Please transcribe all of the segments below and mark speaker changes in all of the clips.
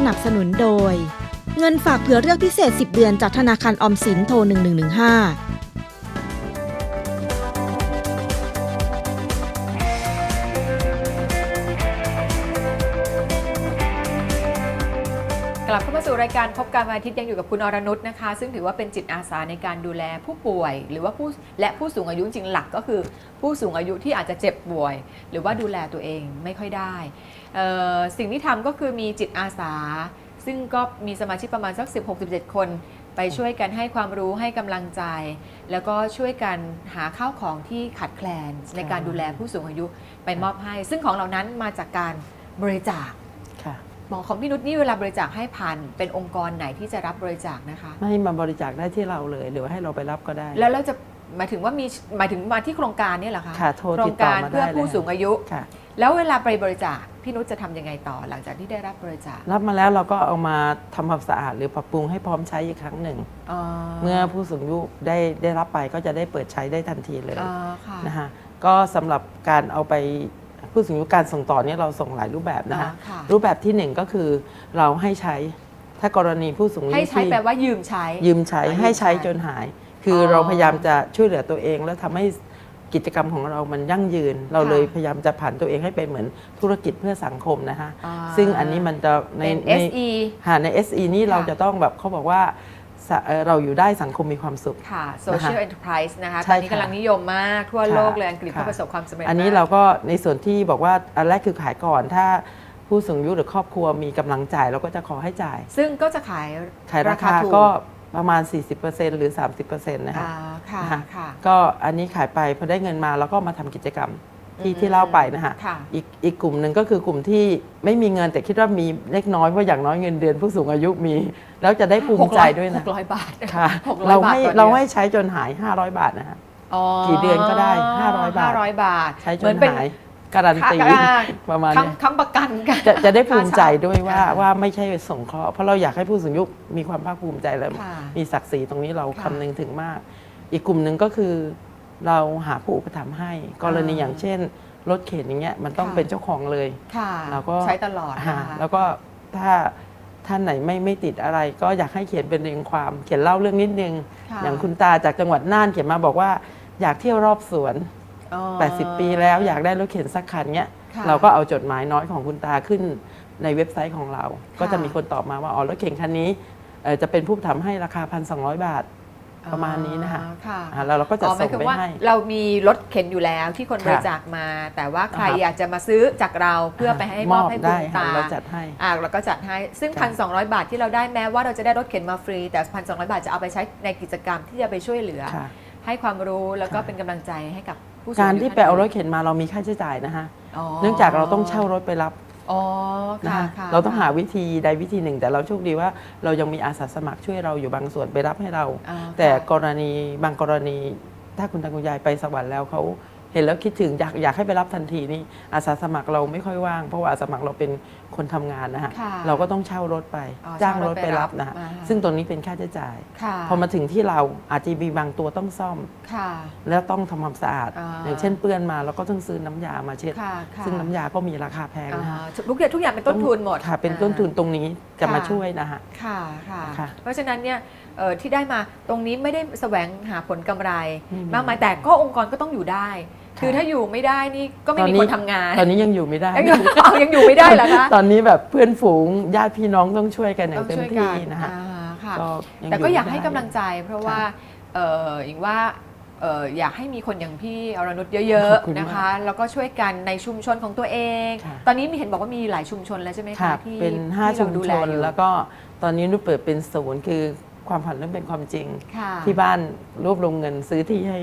Speaker 1: นับสนุนโดยเงินฝากเผื่อเลือกพิเศษ10 เดือนจากธนาคารออมสินโทร1115
Speaker 2: กลับเข้ามาสู่รายการพบกันวันอาทิตย์ยังอยู่กับคุณอรนุชนะคะซึ่งถือว่าเป็นจิตอาสาในการดูแลผู้ป่วยหรือว่าผู้สูงอายุจริงหลักก็คือผู้สูงอายุที่อาจจะเจ็บป่วยหรือว่าดูแลตัวเองไม่ค่อยได้สิ่งที่ทำก็คือมีจิตอาสาซึ่งก็มีสมาชิกประมาณสัก16-17 คนไปช่วยกันให้ความรู้ให้กำลังใจ แล้วก็ช่วยกันหาข้าวของที่ขาดแคลนในการดูแลผู้สูงอายุไปมอบให้ซึ่งของเหล่านั้นมาจากการบริจาคหมอของพี่นุชนี่เวลาบริจาคให้ผ่านเป็นองค์กรไหนที่จะรับบริจาคนะคะ
Speaker 3: ไม่มาบริจาคได้ที่เราเลยหรือว่าให้เราไปรับก็ได้
Speaker 2: แล้วเราจะหมายถึงว่าหมายถึงมาที่โครงการนี่เหรอคะ
Speaker 3: ค่ะโทร
Speaker 2: โครงการเพื่อผู้สูงอายุ
Speaker 3: ค่ะ
Speaker 2: แล้วเวลาไปบริจาคพี่นุชจะทำยังไงต่อหลังจากที่ได้รับบริจาครับ
Speaker 3: มาแล้วเราก็เอามาทำความสะอาดหรือปรับปรุงให้พร้อมใช้อีกครั้งหนึ่งเมื่อผู้สูงอายุได้รับไปก็จะได้เปิดใช้ได้ทันทีเลยนะคะก็สำหรับการเอาไปผู้สูงอายุการส่งต่อเนี่ยเราส่งหลายรูปแบบนะคะรูปแบบที่1ก็คือเราให้ใช้ถ้ากรณีผู้สูงอายุ
Speaker 2: ให้ใช้แปลว่ายืมใช้
Speaker 3: ให้ใช้จนหายคือเราพยายามจะช่วยเหลือตัวเองแล้วทำให้กิจกรรมของเรามันยั่งยืนเราเลยพยายามจะผันตัวเองให้เป็นเหมือนธุรกิจเพื่อสังคมนะคะซึ่งอันนี้มันจะใน ใน SE นี่เราจะต้องแบบเขาบอกว่าเราอยู่ได้สังคมมีความสุข
Speaker 2: ค่ะ Social Enterprise นะคะตอนนี้กำลังนิยมมากทั่วโลกเลยอังกฤษก็ประสบความสำเร็จ
Speaker 3: อันนี้เราก็ในส่วนที่บอกว่าอันแรกคือขายก่อนถ้าผู้สูงอายุหรือครอบครัวมีกำลังจ่ายเราก็จะขอให้จ่าย
Speaker 2: ซึ่งก็จะขาย
Speaker 3: ราคาก็ประมาณ 40% หรือ 30% นะคะก็อันนี้ขายไปพอได้เงินมาแล้วก็มาทำกิจกรรมที่เล่าไปนะคะอีกกลุ่มหนึ่งก็คือกลุ่มที่ไม่มีเงินแต่คิดว่ามีเล็กน้อยเพราะอย่างน้อยเงินเดือนผู้สูงอายุมีแล้วจะได้ภูมิใจด้วยนะ
Speaker 2: 600 บาท
Speaker 3: ค่ะเราให้ใช้จนหาย500 บาทนะคะกี่เดือนก็ได้500 บาทใช้จนหายการันตีประมาณนี้
Speaker 2: ค้ำประกันกัน
Speaker 3: จะได้ภูมิใจด้วยว่าไม่ใช่สงเคราะห์เพราะเราอยากให้ผู้สูงอายุมีความภาคภูมิใจและมีศักดิ์ศรีตรงนี้เราคำนึงถึงมากอีกกลุ่มหนึ่งก็คือเราหาผู้อุปถัมภ์ให้กรณีอย่างเช่นรถเข็นอย่างเงี้ยมันต้องเป็นเจ้าของเลย
Speaker 2: เราก็ใช้ตลอด
Speaker 3: แล้วก็ถ้าท่านไหนไม่ติดอะไรก็อยากให้เขียนเป็นเรียงความเขียนเล่าเรื่องนิดนึงอย่างคุณตาจากจังหวัดน่านเขียนมาบอกว่าอยากเที่ยวรอบสวน80 ปีแล้วอยากได้รถเข็นสักคันเนี้ยเราก็เอาจดหมายน้อยของคุณตาขึ้นในเว็บไซต์ของเราก็จะมีคนตอบมาว่าอ๋อรถเข็นคันนี้จะเป็นผู้ทำให้ราคา 1,200 บาทประมาณนี้นะคะแล้วเราก็จะส่งไปให้
Speaker 2: เรามีรถเข็นอยู่แล้วที่คนบริจาคมาแต่ว่าใครอยากจะมาซื้อจากเราเพื่อไปให้มอบให้คุณตา
Speaker 3: เราจัดให้
Speaker 2: เราก็จัดให้ซึ่ง 1,200 บาทที่เราได้แม้ว่าเราจะได้รถเข็นมาฟรีแต่ 1,200 บาทจะเอาไปใช้ในกิจกรรมที่จะไปช่วยเหลือให้ความรู้แล้วก็เป็นกำลังใจให้กับผู้สูงอายุ
Speaker 3: การที่ไปเอารถเข็นมาเรามีค่าใช้จ่ายนะคะเนื่องจากเราต้องเช่ารถไปรับเราต้องหาวิธีใดวิธีหนึ่งแต่เราโชคดีว่าเรายังมีอาสาสมัครช่วยเราอยู่บางส่วนไปรับให้เราแต่บางกรณีถ้าคุณตาคุณยายไปสวรรค์แล้วเขาเห็นแล้วคิดถึงอยากให้ไปรับทันทีนี่อาสาสมัครเราไม่ค่อยว่างเพราะว่าอาสาสมัครเราเป็นคนทำงานนะฮะเราก็ต้องเช่ารถไปจ้างรถไปรับนะฮะซึ่งตรงนี้เป็นค่าใช้จ่ายพอมาถึงที่เราอาจจะมีบางตัวต้องซ่อมแล้วต้องทำความสะอาดอย่างเช่นเปื้อนมาเราก็ต้องซื้อน้ำยามาเช็ดซึ่งน้ำยาก็มีราคาแพงนะฮะ
Speaker 2: ทุกอย่างเป็นต้นทุนหมด
Speaker 3: ค่ะเป็นต้นทุนตรงนี้จะมาช่วยนะฮะ
Speaker 2: เพราะฉะนั้นเนี่ยที่ได้มาตรงนี้ไม่ได้แสวงหาผลกำไรมากมายแต่ก็องค์กรก็ต้องอยู่ได้คือถ้าอยู่ไม่ได้นี่ก็ไม่มีคนทำงาน
Speaker 3: ตอนนี้ยังอยู่ไม่ได้
Speaker 2: ยังอยู่ไม่ได้เหรอคะ
Speaker 3: ตอนนี้แบบเพื่อนฝูงญาติพี่น้องต้องช่วยกันอย่างเต็มที่นะฮะ
Speaker 2: แต่ก็อยากให้กำลังใจเพราะว่าอย่างว่าอยากให้มีคนอย่างพี่อรนุชเยอะๆนะคะแล้วก็ช่วยกันในชุมชนของตัวเองตอนนี้มีเห็นบอกว่ามีหลายชุมชนแล้วใช่ไหมคะ
Speaker 3: ที่เป็น5ชุมชนแล้วก็ตอนนี้นุชเปิดเป็นศูนย์คือความฝันเรื่องเป็นความจริงที่บ้านรวบรวมเงินซื้อที่ให้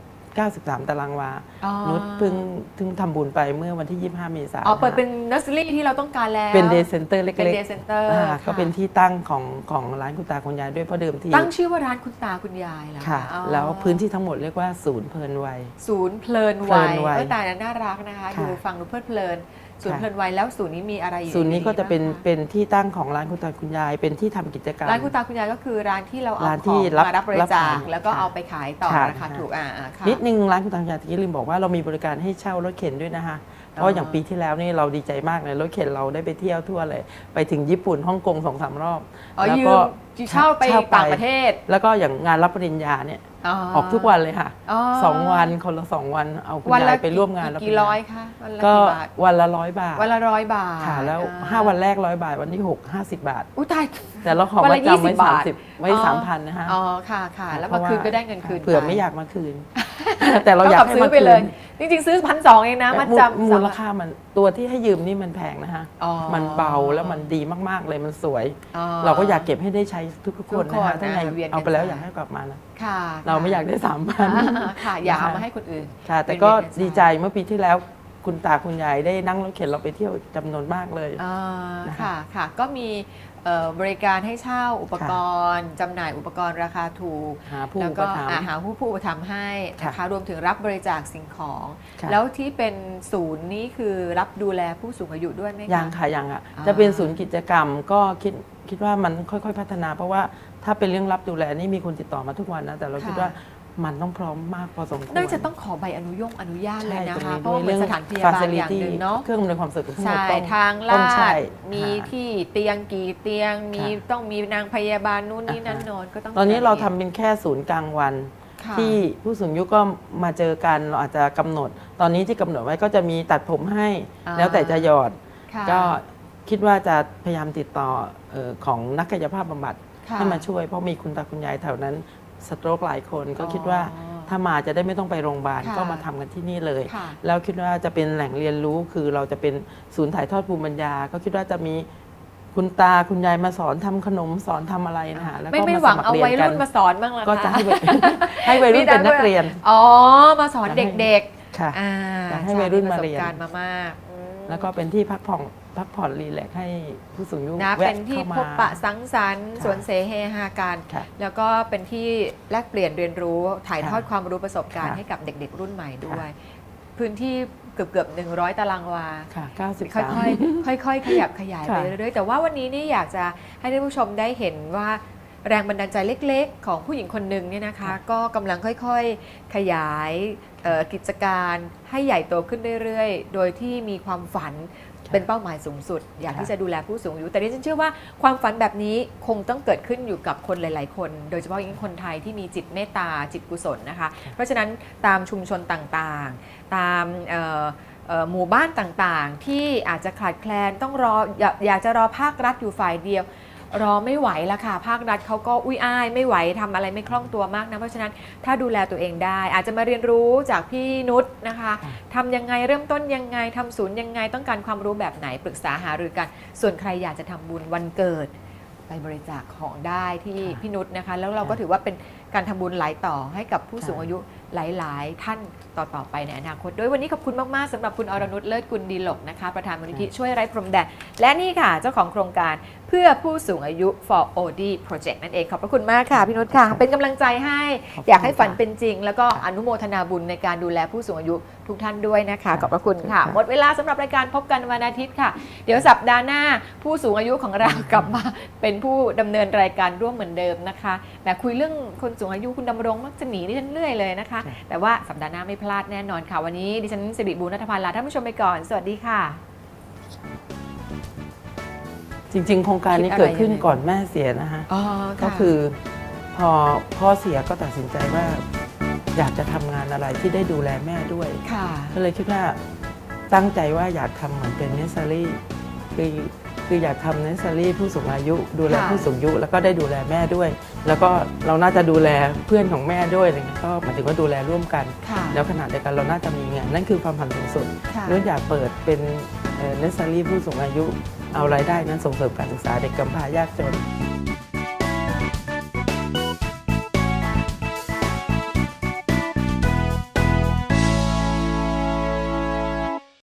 Speaker 3: 93 ตารางวานุชเพิ่งทำบุญไปเมื่อวันที่25 เมษายน
Speaker 2: เปิดเป็นเนอร์เซอรี่ที่เราต้องการแล้ว
Speaker 3: เป็นเดย์เซ็นเตอร์เล็กๆก็เป็นที่ตั้งของร้านคุณตาคุณยายด้วยเพราะเดิมที
Speaker 2: ตั้งชื่อว่าร้านคุณตาคุณยายแล้ว
Speaker 3: ค่ะแล้วพื้นที่ทั้งหมดเรียกว่าศูนย์เพลินวัย
Speaker 2: ศูนย์เพลินวัยตาน่ารักนะคะดูฟังดูเพลิดเพลินศูนย์เพลินวัยแล้วศูนย์นี้มีอะไรอยู่
Speaker 3: ศูนย์นี้ก็จะเป็นที่ตั้งของร้านคุณตาคุณยายเป็นที่ทำกิจกรรม
Speaker 2: ร้านคุณตาคุณยายก็คือร้านที่เราเอาของมารับบริจาคแล้วก็เอาไปขายต่อราคาถูก
Speaker 3: นิดนึงร้านคุณตาคุณยายที่ลืมบอกว่าเรามีบริการให้เช่ารถเข็นด้วยนะคะเพราะอย่างปีที่แล้วนี่เราดีใจมากเลยรถเข็นเราได้ไปเที่ยวทั่วเลยไปถึงญี่ปุ่นฮ่องกง2-3 รอบ
Speaker 2: แล้วก็เช่าไปต่างประเทศ
Speaker 3: แล้วก็อย่างงานรับปริญญาเนี่ยออกทุกวันเลยค่ะ2 วันคนละ2 วันเอาคุณยายไปร่วมงาน
Speaker 2: กี่ร้อยคะ
Speaker 3: ก็วันละ100 บาท
Speaker 2: วันละ100 บาท
Speaker 3: ค่ะแล้ว5 วันแรก100 บาทวันที่6 50 บาท
Speaker 2: อุ้ยตาย
Speaker 3: แต่เราขอมาจำไว้30ไว้ 3,000 นะคะ
Speaker 2: อ๋อค่ะแล้วมาคืนก็ได้เงินคืน
Speaker 3: เผื่อไม่อยากมาคืนแต่เราอยากให้มาคืน
Speaker 2: จริงๆซื้อ1,200เองนะมาจำ
Speaker 3: มูลค่ามันตัวที่ให้ยืมนี่มันแพงนะคะมันเบาแล้วมันดีมากๆเลยมันสวยเราก็อยากเก็บให้ได้ใช้ทุกคนนะคะถ้าไงเอาไปแล้วอยากให้กลับมานะเราไม่อยากได้3,000
Speaker 2: ค่ะอยากเอามาให้คนอื่น
Speaker 3: ค่ะแต่ก็ดีใจเมื่อปีที่แล้วคุณตาคุณยายได้นั่งรถเข็นเราไปเที่ยวจำนวนมากเลย
Speaker 2: ค่ะก็มีบริการให้เช่าอุปกรณ์จำหน่ายอุปกรณ์ราคาถูกแล้วก็หาผู้อุปถัมภ์ให้นะคะรวมถึงรับบริจาคสิ่งของแล้วที่เป็นศูนย์นี้คือรับดูแลผู้สูงอายุด้วยไหมคะ
Speaker 3: ยังค่ะยังอ่ะจะเป็นศูนย์กิจกรรมก็คิดว่ามันค่อยๆพัฒนาเพราะว่าถ้าเป็นเรื่องรับดูแลนี่มีคนติดต่อมาทุกวันนะแต่เราคิดว่ามันต้องพร้อมมากพอสมควร
Speaker 2: น่าจะต้องขอใบอนุญาตเลยนะคะเพราะว่าเป็นสถานพยาบาลอย่างหนึ่งเนาะ
Speaker 3: เครื่องอำนวยความสะดวก
Speaker 2: ใช่ทางลาดมีที่เตียงกี่เตียงมีต้องมีนางพยาบาลนู่นนี่นั่นนอนก็ต้อง
Speaker 3: ตอนนี้เราทำเป็นแค่ศูนย์กลางวันที่ผู้สูงอายุก็มาเจอกันเราอาจจะกำหนดตอนนี้ที่กำหนดไว้ก็จะมีตัดผมให้แล้วแต่จะหยอดก็คิดว่าจะพยายามติดต่อของนักกายภาพบำบัดให้มาช่วยเพราะมีคุณตาคุณยายแถวนั้นสโตรกหลายคนก็คิดว่าถ้ามาจะได้ไม่ต้องไปโรงพยาบาลก็มาทำกันที่นี่เลยแล้วคิดว่าจะเป็นแหล่งเรียนรู้คือเราจะเป็นศูนย์ถ่ายทอดภูมิปัญญาก็คิดว่าจะมีคุณตาคุณยายมาสอนทำขนมสอนทำอะไรนะคะแล้วก็
Speaker 2: ไม่หวังเอาวัยรุ่นมาสอนบ้างหรอคะ
Speaker 3: ก็จะให้วัยรุ่นเป็นนักเรียน
Speaker 2: มาสอนเด็ก
Speaker 3: ๆค่ะให้วัยรุ่นมาเรียน
Speaker 2: มามาก
Speaker 3: แล้วก็เป็นที่พักผ่อนรีแลกซ์ให้ผู้สูงอายุ
Speaker 2: เป็นที่พบปะสังสรรค์สวนเสเฮฮากันแล้วก็เป็นที่แลกเปลี่ยนเรียนรู้ถ่ายทอดความรู้ประสบการณ์ให้กับเด็กๆรุ่นใหม่ด้วยพื้นที่เกือบ100 ตารางวาค่อยๆขยับขยายไปเรื่อยๆแต่ว่าวันนี้นี่อยากจะให้ท่านผู้ชมได้เห็นว่าแรงบันดาลใจเล็กๆของผู้หญิงคนหนึ่งเนี่ยนะคะก็กำลังค่อยๆขยายกิจการให้ใหญ่โตขึ้นเรื่อยๆโดยที่มีความฝันเป็นเป้าหมายสูงสุดอยากที่จะดูแลผู้สูงอายุแต่ดิฉันเชื่อว่าความฝันแบบนี้คงต้องเกิดขึ้นอยู่กับคนหลายๆคนโดยเฉพาะยิ่งคนไทยที่มีจิตเมตตาจิตกุศลนะคะเพราะฉะนั้นตามชุมชนต่างๆตามหมู่บ้านต่างๆที่อาจจะขาดแคลนต้องรออยากจะรอภาครัฐอยู่ฝ่ายเดียวรอไม่ไหวละค่ะภาครัฐเขาก็อุ้ยอ้ายไม่ไหวทำอะไรไม่คล่องตัวมากนะเพราะฉะนั้นถ้าดูแลตัวเองได้อาจจะมาเรียนรู้จากพี่นุชนะคะทำยังไงเริ่มต้นยังไงทำศูนย์ยังไงต้องการความรู้แบบไหนปรึกษาหารือกันส่วนใครอยากจะทำบุญวันเกิดไปบริจาคของได้ที่พี่นุชนะคะแล้วเราก็ถือว่าเป็นการทำบุญหลายต่อให้กับผู้สูงอายุหลายๆท่านต่อไปในอนาคตด้วยวันนี้ขอบคุณมากๆสำหรับคุณอรนุชเลิศกุลดีหลกนะคะประธานมูลนิธิช่วยไร้พรมแดนและนี่ค่ะเจ้าของโครงการเพื่อผู้สูงอายุ for OD Project นั่นเองขอบพระคุณมากค่ะพี่นุชค่ะเป็นกำลังใจให้อยากให้ฝันเป็นจริงแล้วก็อนุโมทนาบุญในการดูแลผู้สูงอายุทุกท่านด้วยนะคะขอบพระคุณค่ะหมดเวลาสำหรับรายการพบกันวันอาทิตย์ค่ะเดี๋ยวสัปดาห์หน้าผู้สูงอายุของเรากลับมาเป็นผู้ดำเนินรายการร่วมเหมือนเดิมนะคะแต่คุยเรื่องคนสูงอายุคุณดำรงมักจะหนีดิฉันเรื่อยเลยนะคะแต่ว่าสัปดาห์หน้าไม่พลาดแน่นอนค่ะวันนี้ดิฉันสิริบูรณัฐพันธ์ลาท่านผู้ชมไปก่อนสวัสดีค่ะ
Speaker 3: จริงๆโครงการนี้เกิดขึ้นก่อนแม่เสียนะคะก็คือพอพ่อเสียก็ตัดสินใจว่าอยากจะทำงานอะไรที่ได้ดูแลแม่ด้วยก็เลยคิดว่าตั้งใจว่าอยากทำเหมือนเป็นเนสซารี่คืออยากทำเนสซารี่ผู้สูงอายุดูแลผู้สูงอายุแล้วก็ได้ดูแลแม่ด้วยแล้วก็เราน่าจะดูแลเพื่อนของแม่ด้วยอะไรเงี้ยก็หมายถึงว่าดูแลร่วมกันแล้วขณะเดียวกันเราน่าจะมีงานนั่นคือความฝันสูงสุดเรื่องอยากเปิดเป็นเนสซารี่ผู้สูงอายุเอารายได้นั้นส่งเสริมการศึกษาเด็กกำพร้ายากจน